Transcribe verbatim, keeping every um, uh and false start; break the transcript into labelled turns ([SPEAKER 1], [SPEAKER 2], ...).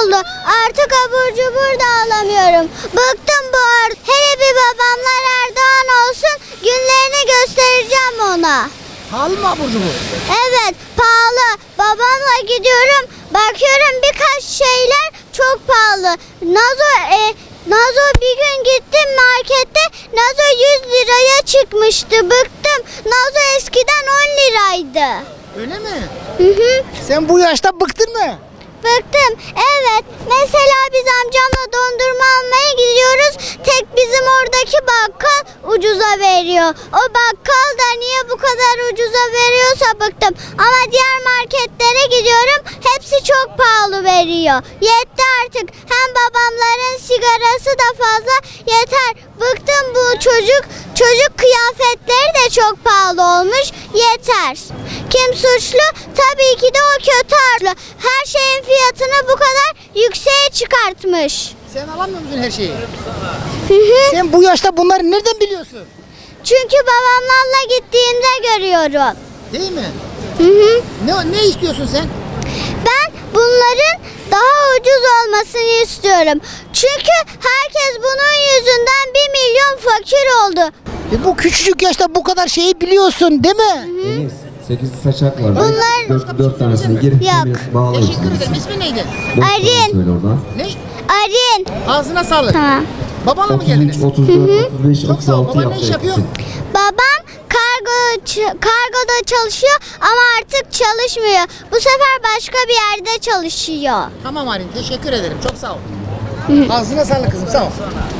[SPEAKER 1] oldu. Artık abur cubur da alamıyorum. Bıktım bu ar. Hele bir babamlar Erdoğan olsun, günlerini göstereceğim ona.
[SPEAKER 2] Pahalı mı abur cubur?
[SPEAKER 1] Evet, pahalı. Babamla gidiyorum, bakıyorum birkaç şeyler çok pahalı. Nazo e, Nazo bir gün gittim markette, Nazo yüz liraya çıkmıştı. Bıktım. Nazo eskiden on liraydı.
[SPEAKER 2] Öyle mi?
[SPEAKER 1] Hı hı.
[SPEAKER 2] Sen bu yaşta bıktın mı?
[SPEAKER 1] Bıktım. Evet. Mesela biz amcamla dondurma almaya gidiyoruz. Tek bizim oradaki bakkal ucuza veriyor. O bakkal da niye bu kadar ucuza veriyorsa bıktım. Ama diğer marketlere gidiyorum. Hepsi çok pahalı veriyor. Yetti artık. Hem babamların sigarası da fazla. Yeter. Bıktım bu çocuk. Çocuk kıyafetleri de çok pahalı olmuş. Yeter. Kim suçlu? Tabii ki de o kötü arlı. Her şeyin fiyatını bu kadar yükseğe çıkartmış.
[SPEAKER 2] Sen alamıyor musun her şeyi?
[SPEAKER 1] Hı hı.
[SPEAKER 2] Sen bu yaşta bunları nereden biliyorsun?
[SPEAKER 1] Çünkü babamlarla gittiğimde görüyorum.
[SPEAKER 2] Değil mi?
[SPEAKER 1] Hı hı.
[SPEAKER 2] Ne, ne istiyorsun sen?
[SPEAKER 1] Ben bunların daha ucuz olmasını istiyorum. Çünkü herkes bunun yüzünden bir milyon fakir oldu.
[SPEAKER 2] E bu küçücük yaşta bu kadar şeyi biliyorsun değil mi?
[SPEAKER 3] Deniz, sekiz saçak var.
[SPEAKER 1] Bunlar-
[SPEAKER 3] Dört, dört tanesini girip
[SPEAKER 1] Yok.
[SPEAKER 3] bir bağlayın.
[SPEAKER 2] Teşekkür ederim. İsmi neydi?
[SPEAKER 3] Boş
[SPEAKER 1] Arin.
[SPEAKER 3] paranı söyle oradan.
[SPEAKER 2] Ne?
[SPEAKER 1] Arin.
[SPEAKER 2] Ağzına sağlık.
[SPEAKER 1] Tamam.
[SPEAKER 2] Babanla mı
[SPEAKER 3] otuz üç,
[SPEAKER 2] geldiniz?
[SPEAKER 3] otuz dört, otuz beş,
[SPEAKER 2] Çok
[SPEAKER 3] otuz
[SPEAKER 2] sağ ol.
[SPEAKER 3] altı
[SPEAKER 2] Baban ne iş
[SPEAKER 3] yaptı
[SPEAKER 2] yapıyor?
[SPEAKER 3] hepsi.
[SPEAKER 1] Babam kargo ç- kargoda çalışıyor ama artık çalışmıyor. Bu sefer başka bir yerde çalışıyor.
[SPEAKER 2] Tamam Arin, teşekkür ederim. Çok sağ ol. Ağzına sağlık kızım, sağ ol.